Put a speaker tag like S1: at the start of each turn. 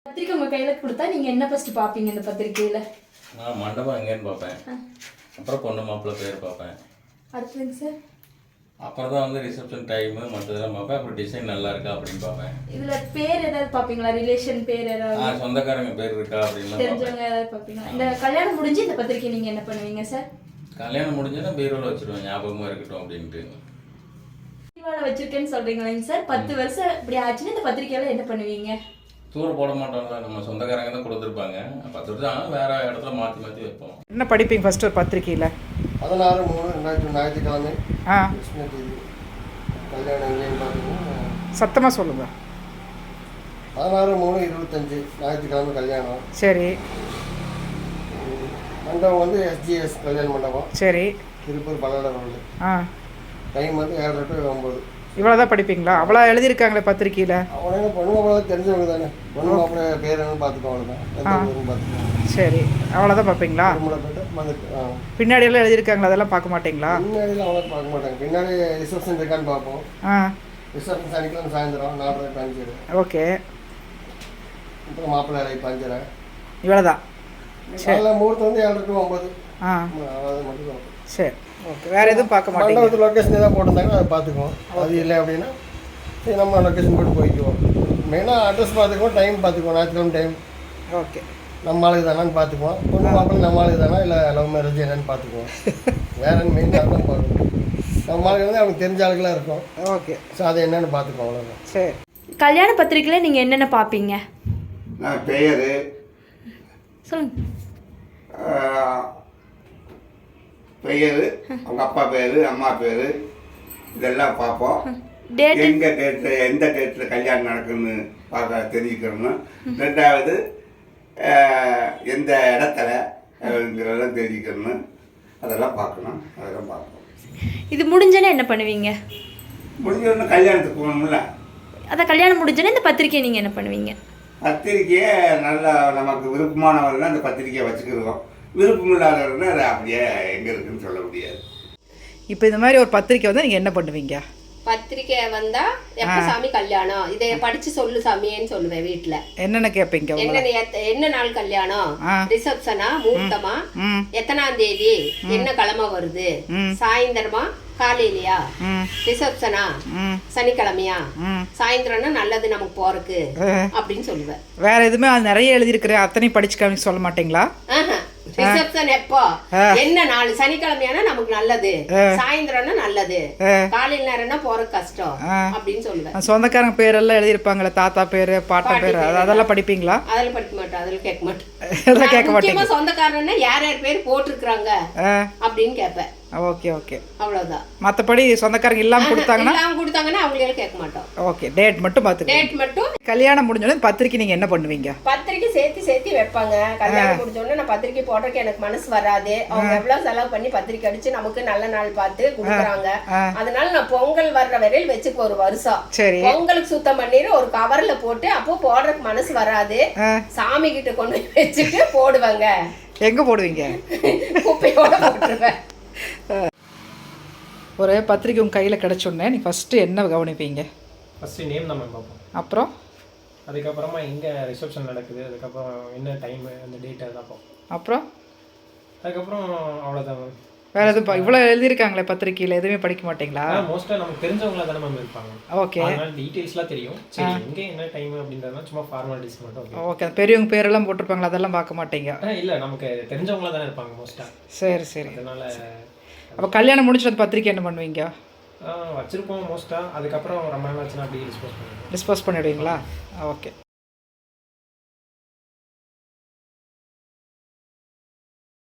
S1: பத்திரிக்கை உங்க கையில கொடுத்தா நீங்க என்ன ஃபர்ஸ்ட் பாப்பீங்க இந்த பத்திரிக்கையில?
S2: நான் மண்டபம் எங்கேன்னு பார்ப்பேன். அப்புறம் பொண்ணு மாப்பிள்ளை பேர் பார்ப்பேன்.
S1: அடுத்ததுங்க சார்?
S2: அப்புறம் தான் வந்து ரிசப்ஷன் டைமு மற்றதெல்லாம் பார்ப்பேன். அப்புறம் டிசைன் நல்லா இருக்கா அப்படின்னு பார்ப்பேன்.
S1: இதுல பேர் ஏதாவது பாப்பீங்களா? ரிலேஷன் பேர் ஏதாவது?
S2: சொந்தக்காரங்க பேர் இருக்கா அப்படின்லாம்
S1: தெரிஞ்சவங்க ஏதாவது பாப்பீங்களா? இந்த கல்யாணம் முடிஞ்சு இந்த பத்திரிக்கை நீங்க என்ன பண்ணுவீங்க சார்?
S2: கல்யாணம் முடிஞ்சதுன்னா பீரோவில் வச்சுருவேன், ஞாபகமாக இருக்கட்டும் அப்படின்ட்டு.
S1: பீரோவில் வச்சிருக்கேன்னு சொல்றீங்களேங்க சார். 10 வருஷம் இப்படி ஆச்சுன்னா இந்த பத்திரிக்கையில என்ன பண்ணுவீங்க?
S2: தூர போட மாட்டோம்ல, நம்ம சொந்தக்காரங்க தான் கொடுத்துருப்பாங்க. 10 வருஷம் ஆனால் வேற இடத்துல மாற்றி மாற்றி வைப்போம்.
S3: என்ன படிப்பீங்க ஃபர்ஸ்ட் ஒரு பத்திரிக்கையில்?
S4: 16/3/2000 ஞாயிற்றுக்கிழமை
S3: ஆ
S4: கிருஷ்ண தேதி கல்யாணம் எங்கேன்னு பார்த்தீங்கன்னா
S3: சத்தமாக சொல்லுங்கள்.
S4: 16/3/25 ஞாயிற்றுக்கிழமை கல்யாணம்.
S3: சரி
S4: மண்டபம் வந்து எஸ்ஜிஎஸ் கல்யாண மண்டபம்,
S3: சரி.
S4: திருப்பூர் பல்லட ரோடு.
S3: ஆ
S4: டைம் வந்து 7 to 9.
S3: இவ்வளோ தான் படிப்பீங்களா? அவ்வளோ எழுதியிருக்காங்களே பத்திரிக்கையில்.
S4: அவனே பொண்ணு மாப்பிள்ளை தெரிஞ்சவங்க தானே, பொண்ணு மாப்பிள்ளை பேர் என்னன்னு பார்த்துக்கோ, அவ்வளோதான். எந்த ஊருன்னு பார்த்துக்கோ.
S3: சரி, அவ்வளோதான் பார்ப்பீங்களா?
S4: திருமணம் போய்ட்டு வந்துட்டு
S3: பின்னாடியெல்லாம் எழுதியிருக்காங்களா? அதெல்லாம் பார்க்க மாட்டீங்களா?
S4: பின்னாடிலாம் அவ்வளோ பார்க்க மாட்டாங்க. பின்னாடி ரிசப்ஷன் இருக்கான்னு பார்ப்போம்.
S3: ஆ
S4: ரிசப்ஷன் சனிக்கிழமை சாயந்தரம் 4:30 to 5.
S3: ஓகே.
S4: அப்புறம் மாப்பிள்ளை அழைப்பு 5:30.
S3: இவ்வளோ தான்.
S4: காலைல முகூர்த்தம் வந்து 7 to 9.
S3: ஆ
S4: அது மட்டும் தான்.
S3: சரி, ஓகே. வேறு எதுவும் பார்க்க மாட்டீங்க?
S4: மண்டபத்து லொக்கேஷன் ஏதாவது போட்டிருந்தாங்க அதை பார்த்துக்குவோம். அது இல்லை அப்படின்னா சரி நம்ம லொக்கேஷன் போட்டு போய்க்குவோம். மெயினாக அட்ரஸ் பார்த்துக்குவோம், டைம் பார்த்துக்குவோம். ஞாயிற்றுக்கிழமை டைம்
S3: ஓகே.
S4: நம்ம ஆளுக்கு தானான்னு பார்த்துக்குவோம். பொண்ணு மாப்பிள்ளை நம்ம ஆளுக்கு தானா இல்லை லவ் மேரேஜ் என்னன்னு பார்த்துக்குவோம். வேற மெயினாக தான் பார்க்கணும். நம்ம ஆளுக்கு வந்து அவங்க தெரிஞ்ச ஆளுக்கெல்லாம் இருக்கும்.
S3: ஓகே.
S4: ஸோ அதை என்னென்னு பார்த்துக்குவோம், அவ்வளோதான்.
S3: சரி.
S1: கல்யாண பத்திரிக்கையில நீங்க என்னென்ன பாப்பீங்க?
S5: நான் பெயர்,
S1: சொல்லுங்க.
S5: பெயர், அவங்க அப்பா பேர், அம்மா பேர், இதெல்லாம் பார்ப்போம்.
S1: டேட்?
S5: எந்த டேட்டில் கல்யாணம் நடக்குன்னு பார்க்க தெரிஞ்சுக்கணும். ரெண்டாவது எந்த இடத்துலங்கிறதெல்லாம் தெரிஞ்சுக்கணும். அதெல்லாம் பார்க்கணும். அதெல்லாம் பார்ப்போம்.
S1: இது முடிஞ்சனே என்ன பண்ணுவீங்க?
S5: முடிஞ்சோடனே கல்யாணத்துக்கு போகணும்ல.
S1: அதான் கல்யாணம் முடிஞ்சனே இந்த பத்திரிக்கையை நீங்க என்ன பண்ணுவீங்க?
S5: பத்திரிக்கையை நல்லா நமக்கு விருப்பமானவர்கள் அந்த பத்திரிக்கையை வச்சுக்கிடுவோம். விருப்பம் இல்லாதவர்கள் அதை அப்படியே எங்கே இருக்குன்னு சொல்ல முடியாது.
S3: இப்போ இந்த மாதிரி ஒரு பத்திரிக்கை வந்து நீங்கள் என்ன பண்ணுவீங்க?
S6: பத்திரிக்கை வந்தா எப்ப சாமி கல்யாணம் இதை படிச்சு சொல்லு சாமியேன்னு சொல்லுவேன். வீட்டுல
S3: என்னென்ன கேட்பீங்க?
S6: என்ன நாள் கல்யாணம், ரிசப்ஷனா, முகூர்த்தமா, எத்தனாம் தேதி, என்ன கிழமை வருது, சாயந்தரமா காலையிலயா, ரிசப்ஷனா சனிக்கிழமையா, சாயந்தரம்னா நல்லது நமக்கு போறக்கு அப்படின்னு சொல்லுவேன்.
S3: வேற எதுவுமே அது நிறைய எழுதியிருக்கிறேன் அத்தனை படிச்சு காமிக்க சொல்ல மாட்டீங்களா?
S6: ரிசப்ஷன் எப்போ, என்ன நாள், சனிக்கிழமையானா நமக்கு நல்லது, சாயந்தரம்னா நல்லது, காலையில நேரம்னா போற கஷ்டம் அப்படின்னு சொல்லுவேன்.
S3: சொந்தக்காரங்க பேரெல்லாம் எழுதியிருப்பாங்களே, தாத்தா பேரு, பாட்டா பேரு, அதெல்லாம் படிப்பீங்களா?
S6: அதெல்லாம் படிக்க மாட்டோம், அதெல்லாம் கேட்க மாட்டோம்.
S3: அதெல்லாம் கேட்க மாட்டேன்.
S6: முக்கியமா சொந்தக்காரன்னா யார் யார் பேர் போட்டிருக்கிறாங்க அப்படின்னு கேட்பேன்.
S3: ஓகே ஓகே,
S6: அவ்வளவுதான்.
S3: மற்றபடி சொந்தக்காரங்க இல்லாம
S6: கொடுத்தாங்கன்னா அவங்களே கேட்க மாட்டோம்.
S3: ஓகே. டேட் மட்டும் பார்த்து.
S6: டேட் மட்டும்.
S3: கல்யாணம் முடிஞ்சோடனே பத்திரிக்கை நீங்க என்ன பண்ணுவீங்க?
S6: பத்திரிக்கை சேர்த்து வைப்பாங்க. கல்யாணம் முடிஞ்சோடனே நான் பத்திரிக்கை போடுறதுக்கு எனக்கு மனசு வராது. அவங்க எவ்வளவு செலவு பண்ணி பத்திரிக்கை அடிச்சு நமக்கு நல்ல நாள் பார்த்து கொடுக்குறாங்க. அதனால நான் பொங்கல் வர்ற வரையில் வச்சுக்கு ஒரு வருஷம்.
S3: சரி.
S6: பொங்கலுக்கு சுத்தம் பண்ணிட்டு ஒரு கவர்ல போட்டு அப்போ போடுறதுக்கு மனசு வராது. சாமி கிட்ட கொண்டு போய் வச்சுட்டு போடுவாங்க.
S3: எங்க போடுவீங்க?
S6: குப்பையோட போட்டுருவேன்.
S3: ஒரு பத்திரிக்கை உங்கள் கையில் கிடச்சோடனே நீ ஃபஸ்ட்டு என்ன கவனிப்பீங்க?
S7: ஃபஸ்ட்டு நேம் தான் மேம் பார்ப்போம்.
S3: அப்புறம்
S7: அதுக்கப்புறமா எங்கே ரிசப்ஷன் நடக்குது, அதுக்கப்புறம் என்ன டைமு, அந்த டேட் அதெல்லாம் பார்ப்போம்.
S3: அப்புறம்
S7: அதுக்கப்புறம் அவ்வளோதான் மேம்.
S3: வேறு எதுவும் இவ்வளோ எழுதியிருக்காங்களே பத்திரிக்கையில், எதுவுமே படிக்க மாட்டீங்களா?
S7: மோஸ்ட்டாக நமக்கு தெரிஞ்சவங்களா தானே மேம் இருப்பாங்க.
S3: ஓகே.
S7: அதனால டீட்டெயில்ஸ்லாம் தெரியும். சரி, எங்கே என்ன டைமு அப்படின்றதுலாம் சும்மா ஃபார்மாலிட்டிஸ் மட்டும்.
S3: ஓகே. பெரியவங்க பேரெல்லாம் போட்டிருப்பாங்களா, அதெல்லாம் பார்க்க மாட்டீங்க?
S7: இல்லை, நமக்கு தெரிஞ்சவங்களா தானே இருப்பாங்க மோஸ்ட்டாக.
S3: சரி சரி.
S7: அதனால்
S3: அப்போ கல்யாணம் முடிச்சுட்டு அந்த பத்திரிக்கை என்ன பண்ணுவீங்க?
S7: வச்சுருப்போம் மோஸ்ட்டாக. அதுக்கப்புறம் ரொம்ப நாள் ஆச்சுன்னா அப்படியே டிஸ்போஸ்
S3: பண்ணிவிடுவீங்களா? ஓகே.